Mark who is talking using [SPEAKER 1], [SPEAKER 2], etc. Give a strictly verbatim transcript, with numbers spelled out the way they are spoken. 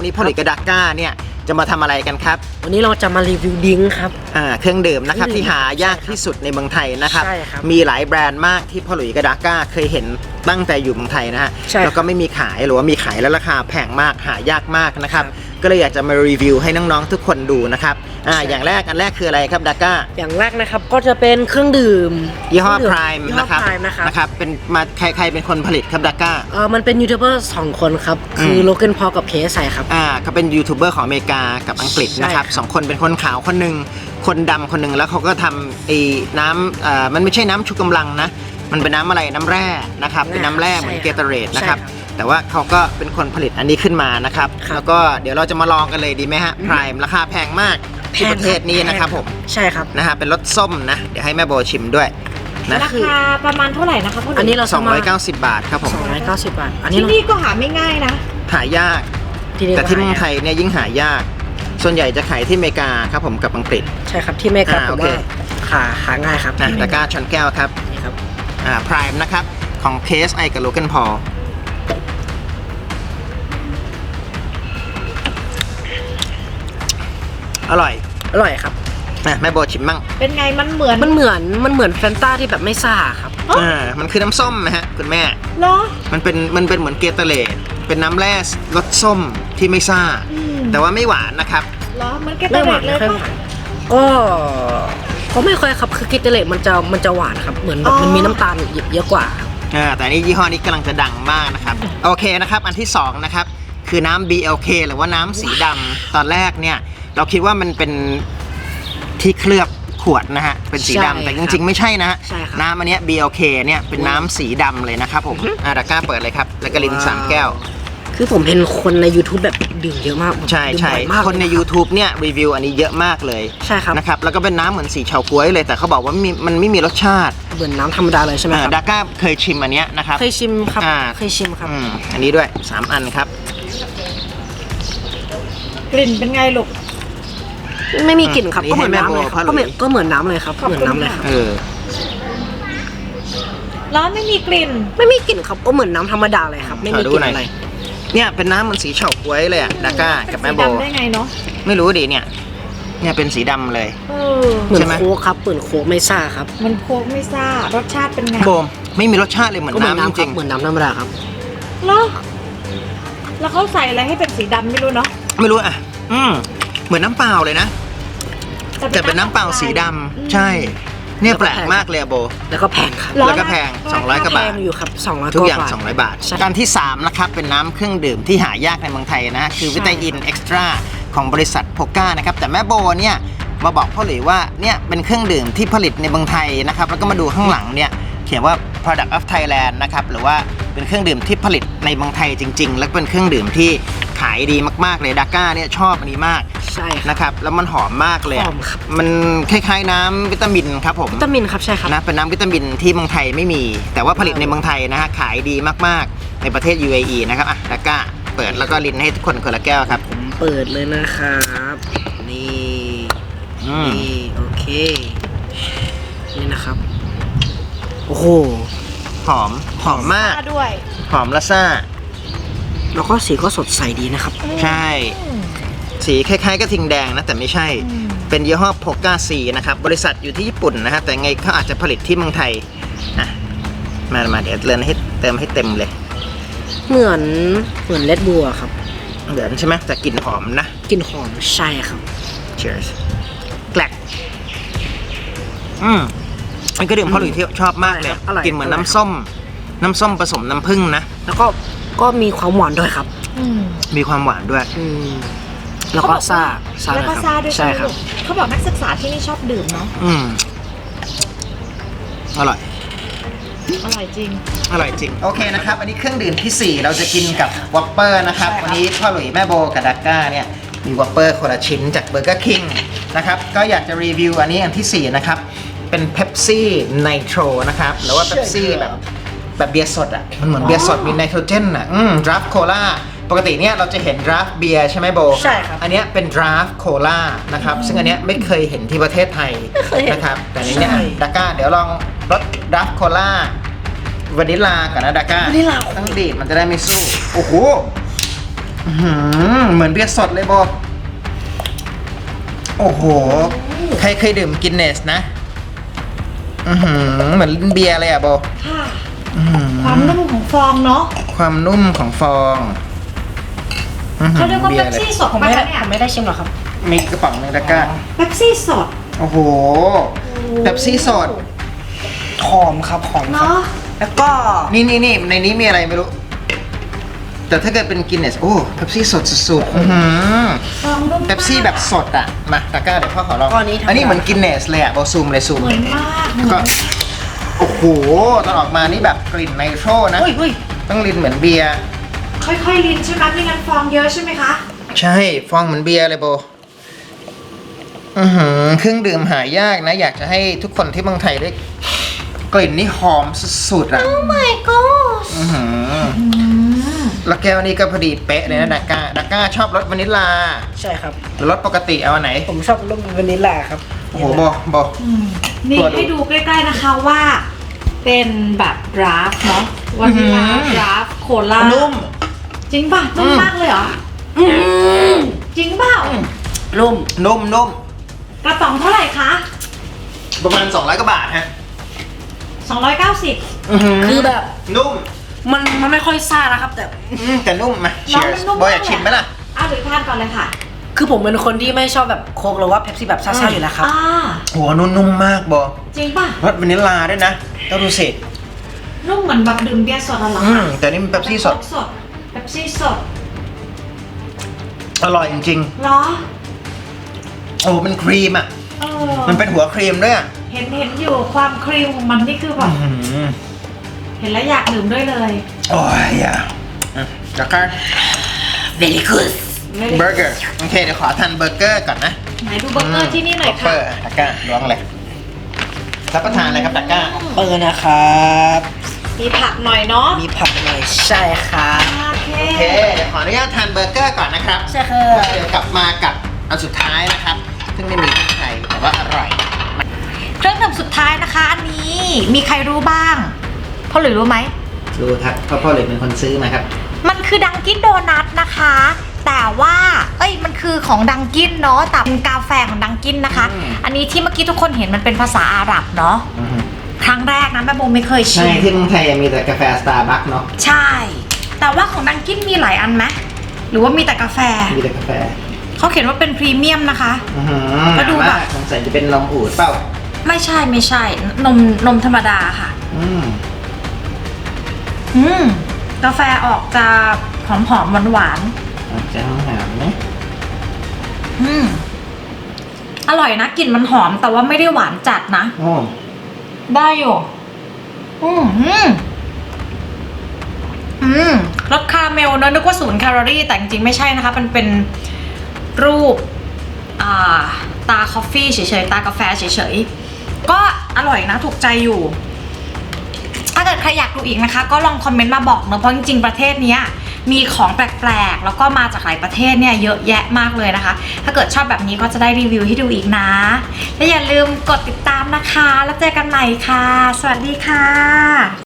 [SPEAKER 1] นี้พ่อหลุยส์กับดาก้าเนี่ยจะมาทำอะไรกันครับ
[SPEAKER 2] วันนี้เราจะมารีวิวดิ้งครับ
[SPEAKER 1] อ่าเครื่องดื่มนะครับที่หายากที่สุดในเมืองไทยนะครับ
[SPEAKER 2] ใช่ครับ
[SPEAKER 1] มีหลายแบรนด์มากที่พ่อหลุยส์กับดาก้าเคยเห็นตั้งแต่อยู่เมืองไทยนะฮะแล้วก็ไม่มีขายหรือว่ามีขายแล้วราคาแพงมากหายากมากนะครับก็เลยอยากจะมารีวิวให้น้องๆทุกคนดูนะครับอ่าอย่างแรกอันแรกคืออะไรครับดาก้า
[SPEAKER 2] อย่างแรกนะครับก็จะเป็นเครื่องดื่ม
[SPEAKER 1] ยี่ห้อ Prime นะครับ
[SPEAKER 2] นะครับ
[SPEAKER 1] นะครับเป็นมาใครใครเป็นคนผลิตครับดาก้า
[SPEAKER 2] เออมันเป็นยูทูบเบอร์สองคนครับคือโลเกนพอลกับเคสใส่ครับ
[SPEAKER 1] อ่าเขาเป็นยูทูบเบอร์ของอเมริกากับอังกฤษนะครับสองคนเป็นคนขาวคนหนึ่งคนดำคนหนึ่งแล้วเขาก็ทำไอ้น้ำอ่ามันไม่ใช่น้ำชูกำลังนะมันเป็นน้ำอะไรน้ำแร่นะครับเป็นน้ำแร่เหมือนเกเตอเรดนะครับแต่ว่าเขาก็เป็นคนผลิตอันนี้ขึ้นมานะครับแล้วก็เดี๋ยวเราจะมาลองกันเลยดีไหมฮะ Prime ราคาแพงมากที่ประเทศนี้นะครับผม
[SPEAKER 2] ใช่ครับ
[SPEAKER 1] นะฮะเป็นรสส้มนะเดี๋ยวให้แม่โบชิมด้วยนะ
[SPEAKER 3] ราคาประมาณเท่าไหร่นะคะพ่อหลุยส์
[SPEAKER 2] อันนี้เรา
[SPEAKER 1] สองร้อยเก้าสิบบาทครับผม
[SPEAKER 2] สองร้อยเก้าสิบบาทอันนี้
[SPEAKER 3] ที่นี่ก็หาไม่ง่ายนะ
[SPEAKER 1] หายากแต่ที่เมืองไทยเนี่ยยิ่งหายากส่วนใหญ่จะขายที่อเมริกาครับผมกับอังกฤษ
[SPEAKER 2] ใช่ครับที่อเมริกาผมว่าหาหาง่ายครับ
[SPEAKER 1] นะตะกร้าชนแก้วครับ
[SPEAKER 2] นี่ครับ
[SPEAKER 1] อ่า Prime นะครับของเคสไอกับโลเกนพอลอร่อย
[SPEAKER 2] อร่อยครับ
[SPEAKER 1] แม่โบชิมมั่ง
[SPEAKER 3] เป็นไงมันเหมือน
[SPEAKER 2] มันเหมือนมันเหมือนแฟนต้าที่แบบไม่ซ่าครับ
[SPEAKER 1] อ่ามันคือน้ำส้มนะฮะคุณแม่
[SPEAKER 3] เหรอ
[SPEAKER 1] มันเป็นมันเป็นเหมือนเกเตอเรดเป็นน้ำแร่รสส้มที่ไม่ซ่าแต่ว่าไม่หวานนะครับ
[SPEAKER 3] เหรอมันเกเตอเรดเลยป่ะ
[SPEAKER 2] ก็ก็ไม่ค่อยครับคือเกเตอเรดมันจะมันจะหวานครับเหมือนแบบมันมีน้ำตาลเยอะกว่า
[SPEAKER 1] อ่าแต่นี่ยี่ห้อนี้กำลังจะดังมากนะครับโอเคนะครับอันที่สองนะครับคือน้ำ บี แอล เค หรือว่าน้ำสีดำตอนแรกเนี่ยเราคิดว่ามันเป็นที่เคลือบขวดนะฮะเป็นสีดำแต่จริงๆไม่ใช่นะฮะน้ำอันนี้ บี แอล เค เนี่ยเป็นน้ำสีดำเลยนะครับผมอ่าดาก้าเปิดเลยครับแล้วก็ลินสามแก้ว
[SPEAKER 2] คือผมเห็นคนใน YouTube แบบดื่มเยอะมาก
[SPEAKER 1] ใช่ใช่คนใน YouTube เนี่ยรีวิวอันนี้เยอะมากเลย
[SPEAKER 2] ใช่ครับ
[SPEAKER 1] นะครับแล้วก็เป็นน้ำเหมือนสีเฉาก๊วยเลยแต่เขาบอกว่ามันไม่มีรสชาติ
[SPEAKER 2] เหมือนน้ำธรรมดาเลยใช่ไหมครับ
[SPEAKER 1] ดาก้าเคยชิมอันนี้นะครับ
[SPEAKER 2] เคยชิมครับเคยชิมครับ
[SPEAKER 1] อันนี้ด้วยสามอันครับ
[SPEAKER 3] กลิ่นเป็นไงลูก
[SPEAKER 2] ไม่มีกลิ่นครับก็เหมือนน้ำเลยก็เหมือนก็เหมือนน้ำเลยครับเหมือนน้ำเลยครับ
[SPEAKER 1] เออ
[SPEAKER 3] แล้วไม่มีกลิ่น
[SPEAKER 2] ไม่มีกลิ่นครับก็เหมือนน้ำธรรมดาเลยครับไม่มีกลิ่นอะไร
[SPEAKER 1] เนี่ยเป็นน้ำมันสีเฉาก๊วยเลยอะดาก้ากับแม่โบ
[SPEAKER 3] ได้ไงเนาะ
[SPEAKER 1] ไม่รู้ดิเนี่ยเนี่ยเป็นสีดำเลย
[SPEAKER 2] เหมือนโค้กครับเหมือนโค้กไม่ซ่าครับ
[SPEAKER 3] มันโค้กไม่ซ่ารสชาติเป็นไง
[SPEAKER 1] โบไม่มีรสชาติเลยเหมือนน้ำจริง
[SPEAKER 2] เหมือนน้ำธรรมดาครับ
[SPEAKER 3] แล้วแล้วเขาใส่อะไรให้เป็นสีดำไม่รู้เนาะ
[SPEAKER 1] ไม่รู้อ่ะอืมเหมือนน้ำเปล่าเลยนะแต่เป็นน้ำเปล่าสีดำใช่เนี่ยแปลกมากเลยโบ
[SPEAKER 2] แล้วก็แพงครับ
[SPEAKER 1] แล้วก็แพงสองร้อยกว่าบาท
[SPEAKER 2] อยู่ครับสองร้อย
[SPEAKER 1] ทุกอย่างสองร้อยบาทการที่สามนะครับเป็นน้ำเครื่องดื่มที่หายากในเมืองไทยนะคือวิตามินเอ็กซ์ตร้าของบริษัทโพก้านะครับแต่แม่โบเนี่ยมาบอกพ่อหลุยว่าเนี่ยเป็นเครื่องดื่มที่ผลิตในเมืองไทยนะครับแล้วก็มาดูข้างหลังเนี่ยเขียนว่า product of Thailand นะครับหรือว่าเป็นเครื่องดื่มที่ผลิตในเมืองไทยจริงๆและเป็นเครื่องดื่มที่ขายดีมากๆเลยดาก้าเนี่ยชอบอันนี้มาก
[SPEAKER 2] ใช่
[SPEAKER 1] นะครับแล้วมันหอมมากเลย
[SPEAKER 2] หอมครับ
[SPEAKER 1] มันคล้ายๆน้ำวิตามินครับผม
[SPEAKER 2] วิตามินครับใช่ครับ
[SPEAKER 1] นะเป็นน้ำวิตามินที่เมืองไทยไม่มีแต่ว่าผลิตในเมืองไทยนะฮะขายดีมากๆในประเทศ ยู เอ อี นะครับอ่ะดาก้าเปิดแล้วก็ลินให้ทุกคนคนละแก้วครับ
[SPEAKER 2] ผมเปิดเลยนะครับนี่นี่โอเคนี่นะครับโอ้โห
[SPEAKER 1] หอมหอมมาก
[SPEAKER 3] ด้วย
[SPEAKER 1] หอมละซ่า
[SPEAKER 2] แล้วก็สีก็สดใสดีนะครับ
[SPEAKER 1] ใช่สีคล้ายๆกระทิงแดงนะแต่ไม่ใช่เป็นยี่ห้อโพก้าซีนะครับบริษัทอยู่ที่ญี่ปุ่นนะฮะแต่ไงเขาอาจจะผลิตที่เมืองไทยนะมามาเดี๋ยวเติมให้เติมให้เต็มเลย
[SPEAKER 2] เหมือนเหมือนเลดบัวครับ
[SPEAKER 1] เหมือนใช่ไหมแต่กลิ่นหอมนะ
[SPEAKER 2] กลิ่นหอมใช่ครับ
[SPEAKER 1] Cheers แกลกอืมมันก็ดื่มพ่อหลุยที่ชอบมากเลยกลิ่นเหมือนน้ำส้มน้ำส้มผสมน้ำผึ้งนะ
[SPEAKER 2] แล้วก็ก็มีความหวานด้วยครับ
[SPEAKER 1] มีความหวานด้วย
[SPEAKER 2] แล้วก็ซ่า
[SPEAKER 3] แล้วก็ซ่าด้วยใช่ครับเขาบอกนักศึกษาที่นี่ชอบดื่มเนาะ
[SPEAKER 1] อืมอร่อย
[SPEAKER 3] อร่อยจริง
[SPEAKER 1] อร่อยจริงโอเคนะครับอันนี้เครื่องดื่มที่สี่เราจะกินกับวอปเปอร์นะครับวันนี้พ่อหลุยแม่โบกับดาก้าเนี่ยมีวอปเปอร์คนละชิ้นจากเบอร์เกอร์คิงนะครับก็อยากจะรีวิวอันนี้อันที่สี่นะครับเป็นเ Pepsi Nitro นะครับหรือว่า Pepsi แบบแบบเบียร์สดอ่ะมันเหมือนเบียร์สดมีไนโตรเจนอ่ะอืมดราฟต์โคลาปกติเนี่ยเราจะเห็นดราฟต์เบียร์ใช่ไหมโบ
[SPEAKER 2] ใช่ครับ
[SPEAKER 1] อันนี้เป็นดราฟต์โคลานะครับซึ่งอันนี้ไม่เคยเห็นที่ประเทศไทยนะครับแต่นี้เนี่ยดาก้าเดี๋ยวลองรสดราฟต์โคลาวานิลลาก่อนนะดาก้า
[SPEAKER 2] วานิลลา
[SPEAKER 1] ต้องดีดมันจะได้ไม่สู้โอ้โหอื้อหือเหมือนเบียร์สดเลยโบโอ้โห ใครเคยดื่มกินเนสนะ อือหือเหมือนเบียร์เลยอ่ะโบ
[SPEAKER 3] ค่ะ
[SPEAKER 1] อื้อหือ
[SPEAKER 3] ความนุ่มของฟองเนาะ
[SPEAKER 1] ความนุ่มของฟองอื้อหือ
[SPEAKER 3] เขาเรียกว่า
[SPEAKER 1] บี
[SPEAKER 3] เป๊
[SPEAKER 1] ย
[SPEAKER 3] ป
[SPEAKER 1] ร์เลย
[SPEAKER 3] ซี่สด
[SPEAKER 2] ผม
[SPEAKER 3] ปะ
[SPEAKER 2] ไม่ได้
[SPEAKER 3] คะเนี่ย
[SPEAKER 2] ผมไม่ได้ชิมหรอกครับ
[SPEAKER 1] มีกระป๋องหนึงตะกร้า
[SPEAKER 3] เป๊ปซี่สด
[SPEAKER 1] โอ้โหเป๊ปซี่สด
[SPEAKER 2] หอมครับหอมครับ
[SPEAKER 3] เนาะ
[SPEAKER 2] แล้วก็
[SPEAKER 1] นี่นี่นี่ในนี้มีอะไรไม่รู้ แต่ถ้าเกิดเป็นกินเนสโอ้เป๊ปซี่สดสุดๆอื้อหือ
[SPEAKER 3] ฟองนุ่มมาก
[SPEAKER 1] เป๊ปซี่แบบสดอ่ะ มาตะกร้าเดี๋ยวพ่อขอลอง
[SPEAKER 2] ก้อนนี้ทำ
[SPEAKER 1] อันนี้เหมือนกินเนสเลยอ่ะโบซูมเลยซูม
[SPEAKER 3] เหมือนมากเหมือน
[SPEAKER 1] ก็โอ้โหตอนออกมานี่แบบกลิ่นไนโตรนะ
[SPEAKER 2] เฮ้ยเฮ้ย
[SPEAKER 1] ต้องลิ้นเหมือนเบียร์
[SPEAKER 3] ค่อยๆลิ้นใช่ไหมไม่งั้นฟองเยอะใช่ไหมคะ
[SPEAKER 1] ใช่ ฟองเหมือนเบียร์เลยโบ อือหือเครื่องดื่มหายากนะ อยากจะให้ทุกคนที่เมืองไทยได้กลิ่นนี่หอมสุดๆอ่ะ
[SPEAKER 3] Oh my god
[SPEAKER 1] อือหือแล้วแก้วนี้ก็พอดีเป๊ะเลยนะดักก้าดักก้าชอบรสวานิลลา
[SPEAKER 2] ใช่ครับ
[SPEAKER 1] หรือรสปกติเอาอันไหน
[SPEAKER 2] ผมชอบรสวานิลลาครับ
[SPEAKER 1] โอ้โหโบโบ
[SPEAKER 3] นี่
[SPEAKER 1] ตัวดู
[SPEAKER 3] ให้ดูใกล้ๆนะคะว่า เป็นแบบดราฟเนาะวานิลลา
[SPEAKER 1] อื้อหือ
[SPEAKER 3] ดราฟโคลา
[SPEAKER 1] นุ่ม
[SPEAKER 3] จริงป่ะนุ่ม
[SPEAKER 1] อืม
[SPEAKER 3] มากเลยเหรอจริงเปล่า
[SPEAKER 2] นุ่ม
[SPEAKER 1] นุ่มนุ่ม
[SPEAKER 3] กระป๋องเท่าไหร่คะ
[SPEAKER 1] ประมาณสองร้อยกว่าบาทฮะ
[SPEAKER 3] สองร้อยเก้าสิบ
[SPEAKER 1] อือหือ
[SPEAKER 2] คือแบบ
[SPEAKER 1] นุ่ม
[SPEAKER 2] มันมันไม่ค่อยซ่านะครับ แต่
[SPEAKER 1] อืมแต่นุ่มมา
[SPEAKER 3] น้อง
[SPEAKER 1] cheers
[SPEAKER 3] มันนุ่ม
[SPEAKER 1] โบอยากชิมไหมล่ะ
[SPEAKER 3] อ้าวเดี๋ยวทานก่อนเลยค่ะ
[SPEAKER 2] คือผมเป็นคนที่ไม่ชอบแบบโค้กหรือว่าเป๊ปซี่แบบซ่าๆอยู่แล้วครับ
[SPEAKER 3] อ่า
[SPEAKER 1] โหนุ่มๆมากโบ
[SPEAKER 3] จริงป่ะ
[SPEAKER 1] รสวานิลลาด้วยนะต้องดูสิ
[SPEAKER 3] นุ่มเหมือนแบบดื่มเบียร์สดอะเหรอ
[SPEAKER 1] อื
[SPEAKER 3] คะ
[SPEAKER 1] มแต่นี่มันเป๊ปซี่สด
[SPEAKER 3] สดเป๊ปซี่สด
[SPEAKER 1] อร่อยจริง
[SPEAKER 3] เหรอ
[SPEAKER 1] ๆ โอ้เป็นครีมอ่ะ
[SPEAKER 3] เออ
[SPEAKER 1] มันเป็นหัวครีมด้วยอ่ะ
[SPEAKER 3] เห็นเห็นอยู่ความครีมของมันนี่คือแบบ
[SPEAKER 1] อื้อหือ
[SPEAKER 3] เห็นแล้วอยากดื่มด้วยเลย
[SPEAKER 1] โอ้ยอย่าอืมแล้วก็
[SPEAKER 2] very good
[SPEAKER 1] เบอร์เกอร์โอเคเดี๋ยวขอทานเบอร์เกอร์ก่อนนะ
[SPEAKER 3] ไหนดูเบอร์เกอร์ที่นี่หน่อย
[SPEAKER 1] เบ
[SPEAKER 3] ค่ะ
[SPEAKER 1] อร์ตะกร้าล้วงเลยรับประทานอะไรครับตะกร้า
[SPEAKER 2] เออนะครับ
[SPEAKER 3] มีผักหน่อยเนาะ
[SPEAKER 2] มีผักหน่อยใช่ครับ
[SPEAKER 3] โอเค
[SPEAKER 1] โอเคเดี๋ยวขออนุญาตทานเบอร์เกอร์ก่อนนะครับ
[SPEAKER 2] ใช่ครับ
[SPEAKER 1] แล้วเดี๋ยวกลับมากับอันสุดท้ายนะครับ ซึ่งไม่มีที่ไทยแต่ว่าอร่อย
[SPEAKER 3] เครื่องดื่มสุดท้ายนะคะ อันนี้มีใครรู้บ้างพ่อหลุยรู้ไหม
[SPEAKER 1] รู้ครับเพราะพ่อเลยเป็นคนซื้อมาครับ
[SPEAKER 3] มันคือดังกินโดนัทนะคะ แต่ว่า เอ้ย มันคือของดังกินเนาะ แต่เป็นกาแฟของดังกินนะคะ
[SPEAKER 1] อืม
[SPEAKER 3] อันนี้ที่เมื่อกี้ทุกคนเห็นมันเป็นภาษาอาหรับเนาะ
[SPEAKER 1] อือหือ
[SPEAKER 3] ครั้งแรกนะแม่โบไม่เคยชิ
[SPEAKER 1] ใช่
[SPEAKER 3] ม
[SPEAKER 1] ที่เมืองไทยมีแต่กาแฟสตาร์บัคเนาะ
[SPEAKER 3] ใช่ แต่ว่าของดังกินมีหลายอันไหมหรือว่ามีแต่กาแฟ
[SPEAKER 1] มีแต่กาแฟ
[SPEAKER 3] เขาเขียนว่าเป็นพรีเมียมนะคะ
[SPEAKER 1] อือหือ
[SPEAKER 3] ก็ดูแบบ
[SPEAKER 1] สงสัยจะเป็นนมอูดเปล่า
[SPEAKER 3] ไม่ใช่ไม่ใช่ นมนมธรรมดาค่ะ
[SPEAKER 1] อืม
[SPEAKER 3] อืม กาแฟออกจะหอมหอมหวานหวาน
[SPEAKER 1] อาจจะต้องหามนะ
[SPEAKER 3] ๆอืม อร่อยนะกลิ่นมันหอมแต่ว่าไม่ได้หวานจัดนะ
[SPEAKER 1] โอ้
[SPEAKER 3] ได้อยู่ อืมอืมอืมรสคาราเมลเนอะนึกว่าศูนย์แคลอรี่ แต่จริงๆไม่ใช่นะคะ มันเป็นรูป อ่า ตาคอฟฟี่เฉยๆ ตากาแฟเฉยๆ ก็อร่อยนะ ถูกใจอยู่ ถ้าเกิดใครอยากดูอีกนะคะ ก็ลองคอมเมนต์มาบอกเนอะเพราะจริงๆประเทศเนี้ยมีของแปลกๆ แล้วก็มาจากหลายประเทศเนี่ยเยอะแยะมากเลยนะคะ ถ้าเกิดชอบแบบนี้ก็จะได้รีวิวให้ดูอีกนะ และอย่าลืมกดติดตามนะคะ แล้วเจอกันใหม่ค่ะ สวัสดีค่ะ